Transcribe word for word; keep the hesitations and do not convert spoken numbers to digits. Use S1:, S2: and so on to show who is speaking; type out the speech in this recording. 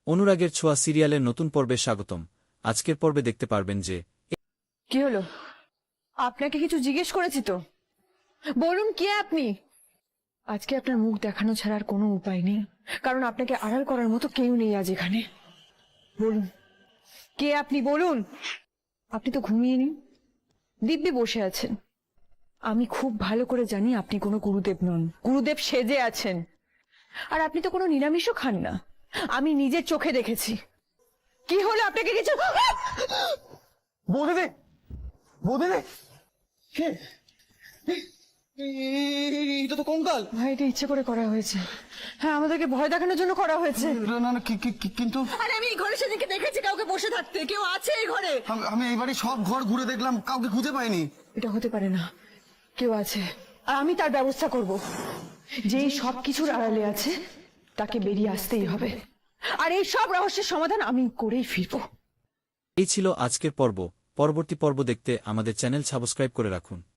S1: অনুরাগের ছোঁয়া সিরিয়ালের নতুন পর্বে স্বাগতম। আজকের পর্বে দেখতে পারবেন যে
S2: কি হলো, আপনাকে কিছু জিজ্ঞেস করেছি তো, বলুন কে আপনি। আজকে আপনার মুখ দেখানো ছাড়ার কোনো উপায় নেই, কারণ আপনাকে আড়াল করার মতো কেউ নেই আজ এখানে। বলুন কে আপনি, বলুন। আপনি তো ঘুমিয়ে নিন, দিব্যি বসে আছেন। আমি খুব ভালো করে জানি আপনি কোনো গুরুদেব নন, গুরুদেব সেজে আছেন। আর আপনি তো কোনো নিরামিষও খান না, আমি নিজের চোখে দেখেছি। কি হলো আপনাকে কিছু?
S3: বৌদিদি, বৌদিদি, কে? এটা তো কঙ্কাল।
S2: ভাই, এটা ইচ্ছে করে করা হয়েছে। হ্যাঁ, আমাদেরকে ভয় দেখানোর জন্য করা হয়েছে।
S3: না না না, কি- কি- কি- কিন্তু
S2: আরে আমি এই ঘরে সেদিনকে দেখেছি কাউকে বসে থাকতে। কেউ আছে এই ঘরে?
S3: আমি- আমি এই বাড়ি সব ঘর ঘুরে দেখলাম, কাউকে খুঁজে পাইনি।
S2: এটা হতে পারে না, কেউ আছে, আর আমি তার ব্যবস্থা করব। যেই সব কিছুর আড়ালে আছে তাকে বেরিয়ে আসতেই হবে, আর এই সব রহস্যের সমাধান আমি করেই ফিরবো।
S1: এই ছিল আজকের পর্ব। পরবর্তী পর্ব দেখতে আমাদের চ্যানেল সাবস্ক্রাইব করে রাখুন।